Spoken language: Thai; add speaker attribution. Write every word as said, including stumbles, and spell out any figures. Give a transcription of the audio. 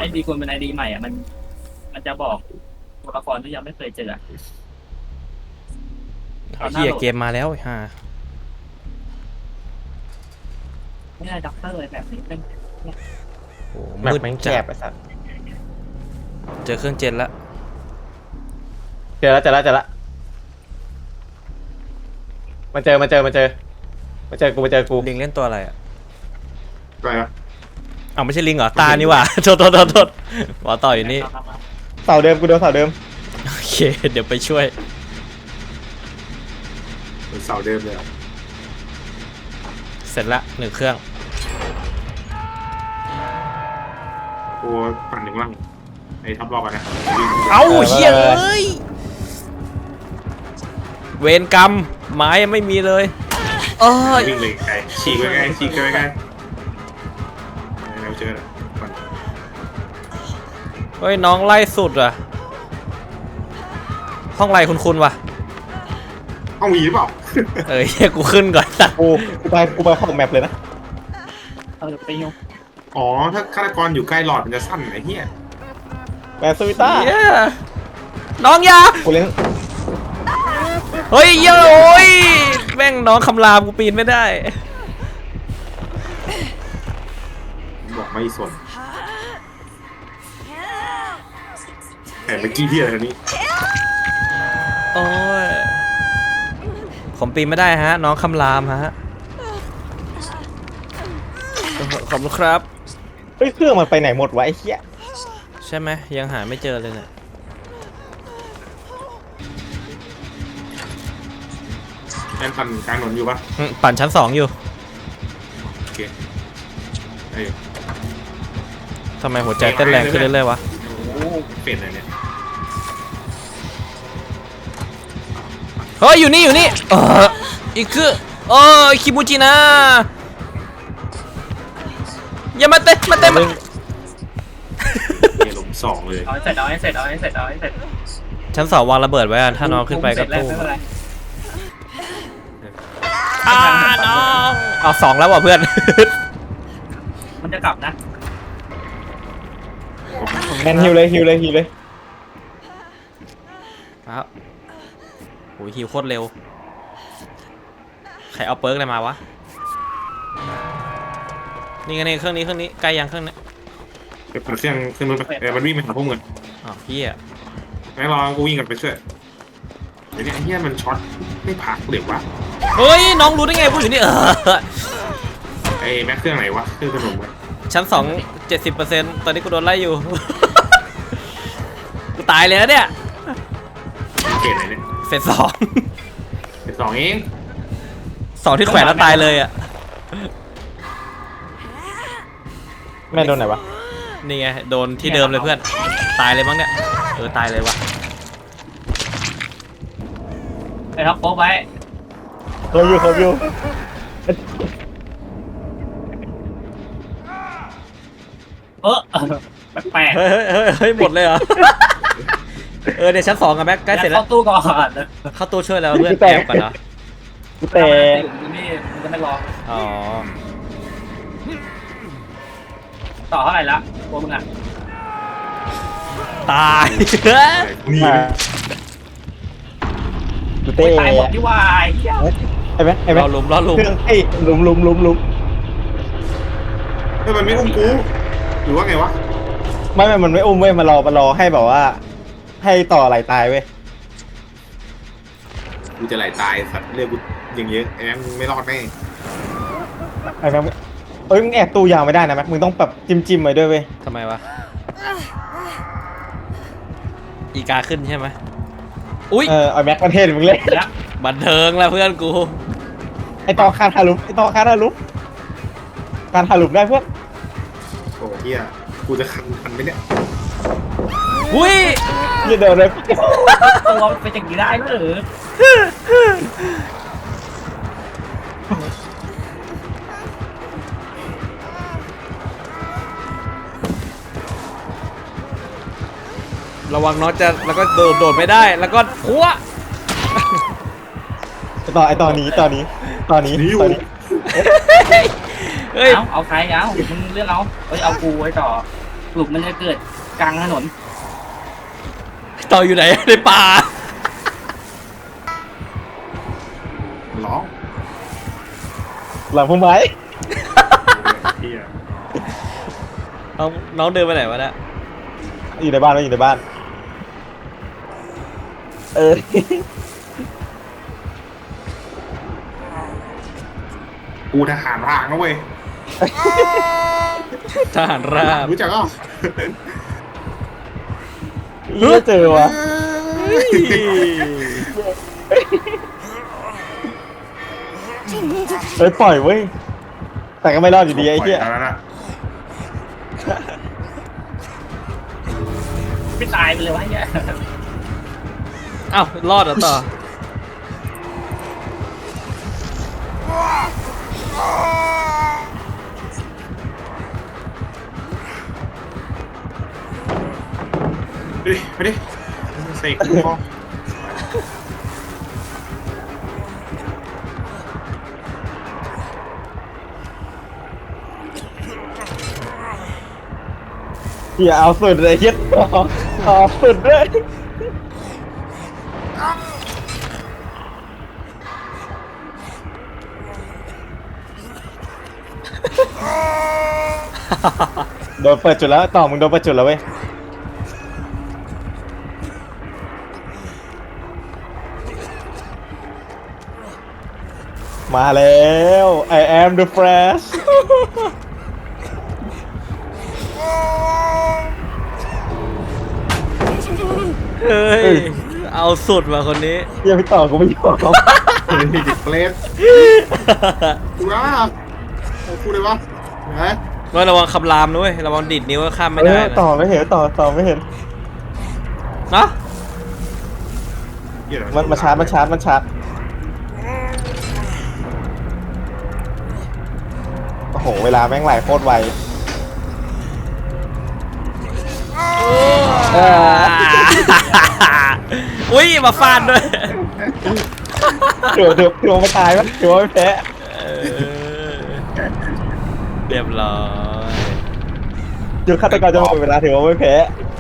Speaker 1: อดีคุณเป็นไอดีใหม่อ่ะมันมันจะบอกตัวละครที่ยังไม่เคยเจอ
Speaker 2: เฮียเกมมาแล้วฮ่า
Speaker 1: ไม่ได้ด็อกเตอร์แบบนี้เป็น
Speaker 2: โอ้
Speaker 3: แมป
Speaker 2: มืด
Speaker 3: แม่งแค
Speaker 2: จัด
Speaker 3: บไอ้สัส
Speaker 2: เจอเครื่องเจนละ
Speaker 3: เจอแล้วเจอแล้วเจอแล้วมาเจอมาเจอมาเจอมาเจอกูมาเจอกู
Speaker 2: ลิงเล่นตัวอะไรอ่ะ
Speaker 4: อะไรนะ
Speaker 2: อ้าวไม่ใช่ลิงเหรอตานี่หว่าโทษโทษโทษโทษหมอต่ออยู่นี่
Speaker 3: เสาเดิมกูโดนเสาเดิม
Speaker 2: โอเคเดี๋ยวไปช่วย
Speaker 4: เหมือนเสาเดิมเลยอะ
Speaker 2: เสร็จละหนึ่งเครื่อง
Speaker 4: โอ้ปั่นหนึ่งล่างไอ้ทับรอบอะนะ
Speaker 2: เอ้าเฮียเอ้ยเวรกรรมไม้ยังไม่มีเลยเอ้ย
Speaker 4: วิ่งเลยไกลฉีกไปไกลฉีกไปไกลเราเจอแล้วปั่น
Speaker 2: เฮ้ยน้องไล่สุดอ่ะห้องไรคุณคุณวะ
Speaker 4: เอามีหรือเปล่า
Speaker 2: เอ้ยเฮียกูขึ้นก่อนสัตว์
Speaker 3: กูกูไปกูไปเข้าแมปเลยนะ
Speaker 1: เออไปยุ่ง
Speaker 4: อ๋อถ้าฆาตกรอยู่ใกล้หลอดมันจะสั้นไอ้เหี้ย
Speaker 3: แมปสวิต้า
Speaker 2: เหี้ยน้องอยา
Speaker 3: กูเล่น
Speaker 2: เฮ้ยเหี้ยโอ้ยแม่งน้องคำรามกูปีนไม่ได้
Speaker 4: บอกไม่สนแต่เมื่อกี้ที่อะไรนี้
Speaker 2: โอ้ยผมปีนไม่ได้ฮะน้องคำรามฮะขอบคุณครับ
Speaker 3: เฮ้ยเครื่องมันไปไหนหมดวะไอ้เหี้ย
Speaker 2: ใช่ไหมยังหาไม่เจอเลยเนี่ย
Speaker 4: แอนปั่นกลางถนนอยู่ปะ
Speaker 2: อืมปั่นชั้นสองอยู่
Speaker 4: โอเคไอ้
Speaker 2: ทำไมหัวใจเต้นแรงขึ้นเรื่อยๆวะ
Speaker 4: โอ้เป็นอะไรเนี่ย
Speaker 2: เฮ้ยอยู่นี่อยู่นี่เอออีกคือโอ้ยคิมูจินะอย่ามาเตะมาเตะมา
Speaker 4: เนี่ยหลุมสองเลย
Speaker 1: เอาให้เสร็จเอาให้เสร็จเอาให้เสร็จเอาให้เสร็จ
Speaker 2: ชั้นสองวางระเบิดไว้อะถ้าน้องขึ้นไปก็
Speaker 1: เสร็จแล้ว
Speaker 2: ตู้
Speaker 1: ไม่เป็นไร
Speaker 2: อ่าน้องเอาสองแล้วว่ะเพื่อน
Speaker 1: มันจะกลับนะ
Speaker 3: แมนฮิวเลยฮิวเลยฮิวเลย
Speaker 2: ครับโอ้ยฮิวโคตรเร็วใครเอาเปิร์กอะไรมาวะนี่ไงนี่เครื่องนี้เครื่องนี้ใกล้ยังเครื่องนี้
Speaker 4: เดี๋ยวเปิดเครื่องเครื่องนู้นไปเออมันวิ่งไปหาพวกมึง
Speaker 2: อ้าวพี่อะ
Speaker 4: งั้นรอกูวิ่งกันไปช่วยเดี๋ยวนี้ไอ้เหี้ยมันช็อตไม่พักเดี๋ยววะ
Speaker 2: เฮ้ยน้องรู้ได้ไงพูดอยู่นี่เออ
Speaker 4: ไอ้แม็กเครื่องไหนวะเครื่องขนมวะ
Speaker 2: ชั้นสองเจ็ดสิบเปอร์เซ็นต์ตอนนี้กูโดนไล่อยู่ กูตายเลยนะเนี่ย
Speaker 4: เกตไหนเนี่ย
Speaker 2: เฟสสอง
Speaker 4: เป็นสองเอง
Speaker 2: สองที่แขวนแล้วตายเลยอ่ะ
Speaker 3: แม่โดนไหนวะ
Speaker 2: นี่ไงโดนที่เดิมเลยเพื่อนตายเลยมั้งเนี่ยเออตายเลยวะ
Speaker 1: ไปท็อปโป๊ะไว้
Speaker 3: เขาอยู่เขาอยู่
Speaker 1: เออแปลก
Speaker 2: เฮ้ยเฮ้ยเฮ้ยเฮ้ยหมดเลยเหรอ เออเดี๋ยวชั้นสองกับแม็ก
Speaker 1: ๆ
Speaker 2: ใกล้เสร็จแล้ว
Speaker 1: เข้าตู้ก่อน
Speaker 2: เข้าตู้ช่วยแล้วเพื่อนแอบก่อนเนาะ
Speaker 3: กูแต่
Speaker 1: อยู่นี่มันจะไม่รอ
Speaker 2: อ๋อ
Speaker 1: ต่อเท่าไหร่ละตัวมึงอ่ะ
Speaker 2: ตาย
Speaker 4: นี่
Speaker 3: มากูเต้
Speaker 1: ตายหมดที่วายเหี้ย
Speaker 3: ไอ้แม็กไอ้แม็
Speaker 2: ร
Speaker 3: ก
Speaker 2: อลุมรอลุม
Speaker 3: เครื่องไอ้หลุมหลุมหลุมหลุม
Speaker 4: เฮ้ยมันไม่อุ้มกูหรือว่าไงวะ
Speaker 3: ไม่ไม่มันไม่อุ้มเว้ยมารอมารอให้แบบว่า ให้ต่อไหลตายเว้ย
Speaker 4: กูจะไหลตายสัตว์เรียกกูอย่างเยอะไอ้แม็กมึงไม่รอดแน่
Speaker 3: ไอ้แม็กเอ้ยมึงแอบตู้ยาวไม่ได้นะแม็กมึงต้องแบบจิ้มจิ้มไว้ด้วยเว้ย
Speaker 2: ทำไมวะอีกาขึ้นใช่ไหมอุ้ย
Speaker 3: เออไอ้แม็กประเทศมึงเล่น
Speaker 1: แล้ว
Speaker 2: บันเทิงแล้วเพื่อนกู
Speaker 3: ไอ้ต่อคานทารุปไอ้ต่อคานทารุปการทารุปได้เพื่อน
Speaker 4: โอ้เฮียกูจะคันคันไหมเนี่ย
Speaker 2: อุ้ย
Speaker 3: อย่าเดินเลย
Speaker 1: ตัวมันเป็นอย่างนี้ได้ด้วยเหรอ
Speaker 2: ระวังน้องจะแล้วก็โดดโดดไม่ได้แล้วก็พัว
Speaker 3: ไอ้ต่อไอ้ต่อนี้ต่อนี้ต่อนี้
Speaker 4: นี่อยู่
Speaker 3: ต่อนี้
Speaker 2: เฮ้ย
Speaker 1: เอาเอาใครเอามึงเลือกเอาเฮ้ยเอากูไว้ต่อหลุมมันจะเกิดกลางถนน
Speaker 2: ต่ออยู่ไหนในป่า
Speaker 4: ร้อง
Speaker 3: หลังพุ่มไม้
Speaker 4: เฮีย
Speaker 2: น้องน้องเดินไปไหนวะเนี่ย
Speaker 3: อยู่ในบ้านไม่อยู่ในบ้าน เออ
Speaker 4: กูทหารรางนะเว้ย
Speaker 2: ทหารราบ
Speaker 4: รู้จักอ่ะ
Speaker 3: เหี้ยเจอวะเฮ้ยปล่อยเว้ย แต่ก็ไม่รอดอยู่ดีไอ้เหี้ย
Speaker 4: ปล่แล้วนะ
Speaker 1: ไม่ตายไปเลยวะเนี่ย
Speaker 2: อ้าวรอดเหรอต่อ
Speaker 4: ไปดิไปดิเสกกูพอ
Speaker 3: เหี้ยเอาสุดเลยเหี้ยต่อต่อสุดเลยโดนเปิดจุดแล้วต่อมึงโดนเปิดจุดแล้วเว้ย มาแล้ว I am the Flash
Speaker 2: เฮ้ย เอาสุดมาคนนี้
Speaker 3: เหี้ยังไม่ต่อกูไม่ยอม
Speaker 4: เฮ้ยดิเฟลสกูว่าเอากูเลยวะเห็นไหม
Speaker 2: ว่าระวังคำรามด้วยระวังดิดนิ้วก็ข้ามไม่
Speaker 3: เอ
Speaker 2: ได้
Speaker 3: อ
Speaker 2: นะ
Speaker 3: ต่อไม่เห็นต่อต่อไม่เห็น
Speaker 2: เนาะ
Speaker 4: เหี้ยเดี๋ยว
Speaker 3: มันมาชาร์จมันชาร์จมันชาร์จโอ้โหเวลาแม่งไหลโคตรไวเออ
Speaker 2: อุ้ยมาฟาดด้วย
Speaker 3: เดี๋ยวเดี๋ยวเดี๋ยวไม่ตายมั้ยเดี๋ยวไม่แพ้
Speaker 2: เออเรียบร้อย
Speaker 3: เดี๋ยวฆาตกรจะหมดเวลาถือว่าไม่แพ้